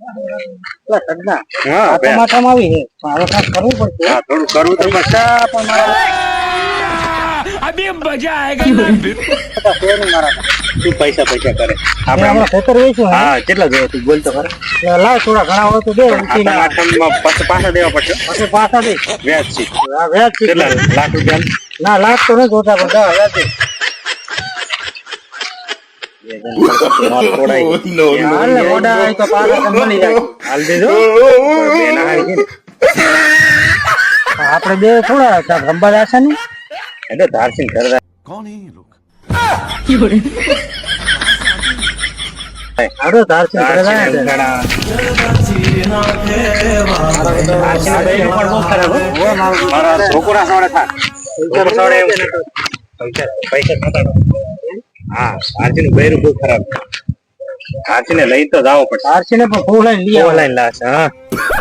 હા ટમાટામાં આવી છે હવે કાંઈક કરવું પડશે. હા થોડું કરવું તો પડશે પણ મારા अभी मजा आएगा ना તું પૈસા કરે આપણે ખેતર વેચ્યું હે હા કેટલા જોઈએ તું બોલ તો ખરા એટલે લાવ થોડા ઘણા હોય તો દે ઉઠીને ટમાટરમાં પાછા દેવા પડશે પછી પાછા દે વ્યાજ છે આ વ્યાજ છે. કેટલા લાખ રૂપિયા ના લાખ તો નથી હોતા પણ 10,000 દે. હાલ ને મોઢા હોય તો પાછા તને મળી જાય. હાલ દેજો બે ના હારી છે ને. આપણે બે થોડા રંબા જશે ને એટલે ધારસિંગ કરતા कौन है ये लोग હારો ધારસિંગ કરે ધારસિંગ છે. ઘણા. ધારસિંગના બૈરું પણ બહુ ખરાબ હો. મારા છોકરા સોડે થા છોકરા સોડે એમ પૈસા ખાતા હા ધારસિંગનું બૈરું બહુ ખરાબ ધારસિંગને લઈ તો જાવો પડશે ધારસિંગને પણ ફૂલ લઈને લઈ આવે. ઓનલાઈન લાશ હા